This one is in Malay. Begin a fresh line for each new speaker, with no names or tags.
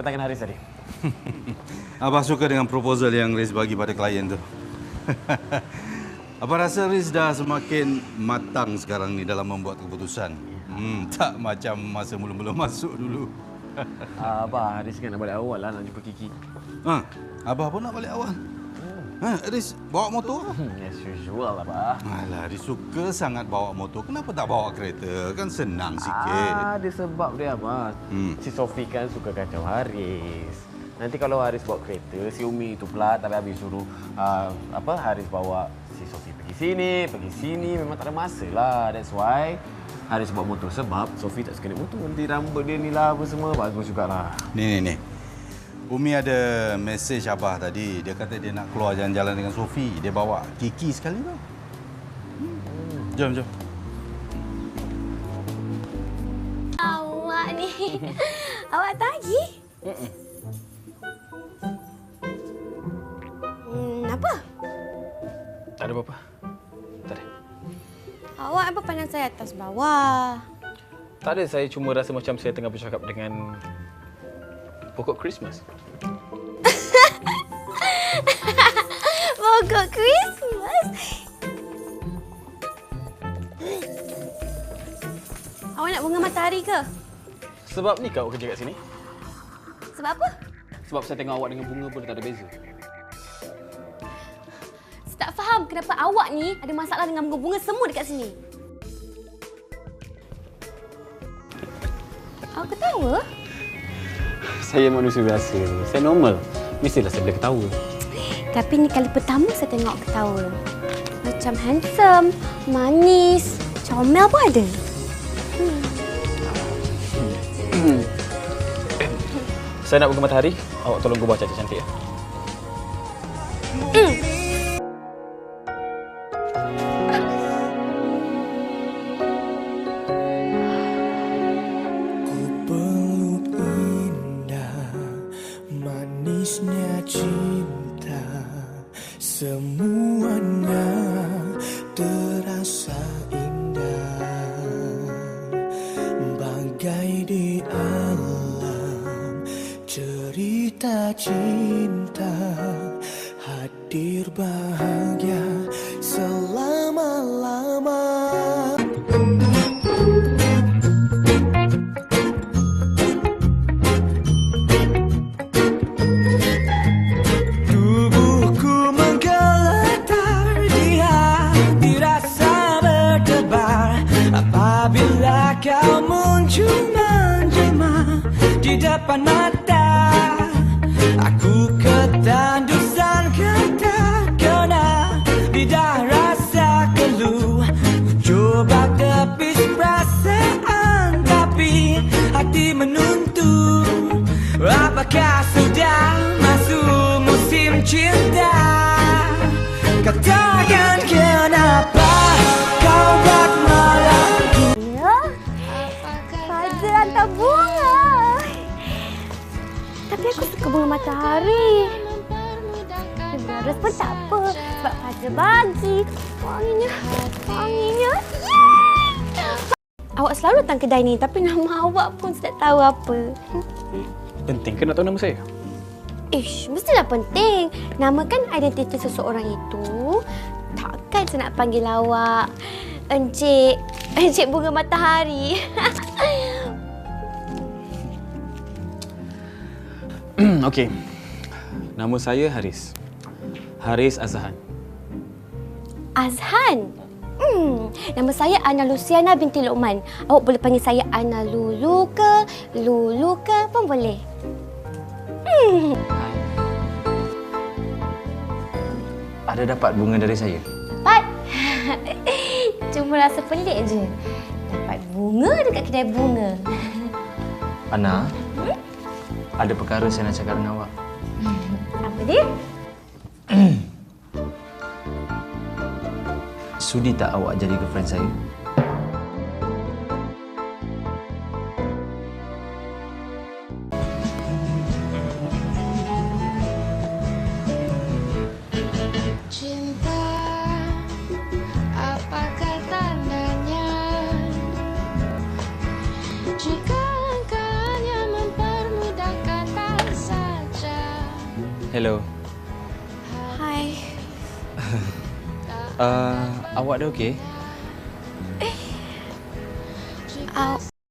kedatangan Haris tadi?
Abah suka dengan proposal yang Riz bagi pada klien tu. Abah rasa Riz dah semakin matang sekarang ni dalam membuat keputusan. Tak macam masa mula-mula masuk dulu.
Abah, Haris kan nak balik awal lah nak jumpa Kiki.
Abah pun nak balik awal. Riz bawa motor?
As usual, Abah.
Alah, Riz suka sangat bawa motor. Kenapa tak bawa kereta? Kan senang sikit.
Ada sebab dia, Abah. Si Sofi kan suka kacau Haris. Nanti kalau Haris bawa kereta, si Umi itu pula tapi habis suruh Haris bawa si Sofi pergi sini, memang tak ada masa lah. That's why Haris bawa motor sebab Sofi tak suka naik motor. Nanti rambut dia ni lah apa semua bagus jugalah.
Ni. Umi ada mesej Abah tadi. Dia kata dia nak keluar jalan-jalan dengan Sofi. Dia bawa Kiki sekali tau. Jom.
Awak ni. Awak tagih? Apa?
Tak ada apa-apa. Tak ada.
Awak apa pandang saya atas bawah?
Tak ada, saya cuma rasa macam saya tengah bercakap dengan pokok Christmas.
Pokok Christmas? Awak nak bunga matahari ke?
Sebab ni kau kerja kat sini?
Sebab apa?
Sebab saya tengok awak dengan bunga pun tak ada beza.
Saya tak faham kenapa awak ni ada masalah dengan bunga-bunga semua dekat sini. Awak ketawa?
Saya manusia biasa. Saya normal. Mestilah saya boleh ketawa.
Tapi ni kali pertama saya tengok ketawa. Macam handsome, manis, comel pun ada.
Saya nak bunga matahari. Awak tolong gubah cantik-cantik ya.
Ku peluk indah, manisnya cinta, semuanya terasa indah, bagai di alam cerita cinta, hadir bahagia selama-lama. Tubuhku menggeletar, di hati rasa berdebar apabila kau muncul menjelma di depan mata. Aku ketandusan tak kena lidah rasa keluh. Coba tepis perasaan tapi hati menuntut. Apakah sudah masuk musim cinta? Katakan kenapa kau buat malamku.
Ya, Fazil hantar bunga. Tapi aku suka bunga matahari. Bunga ros pun tak apa. Sebab Fazil bagi. Wanginya. Yeay! Awak selalu datang kedai ni tapi nama awak pun saya tak tahu apa.
Penting ke nak tahu nama saya?
Ish, mestilah penting. Nama kan identiti seseorang itu. Takkan saya nak panggil awak Encik Bunga Matahari.
Okey. Nama saya Haris. Haris Azhan.
Azhan? Nama saya Ana Luciana binti Luqman. Awak boleh panggil saya Ana Lulu ke pun boleh.
Ada dapat bunga dari saya?
Dapat. Cuma rasa pelik je. Dapat bunga dekat kedai bunga.
Ana, ada perkara saya nak cakap dengan awak.
Apa dia?
Sudi tak awak jadi girlfriend saya?
Cinta, apakah tandanya? Jika engkau hanya mempermudahkan
Hello.
Hai.
Awak dah okey?
Awak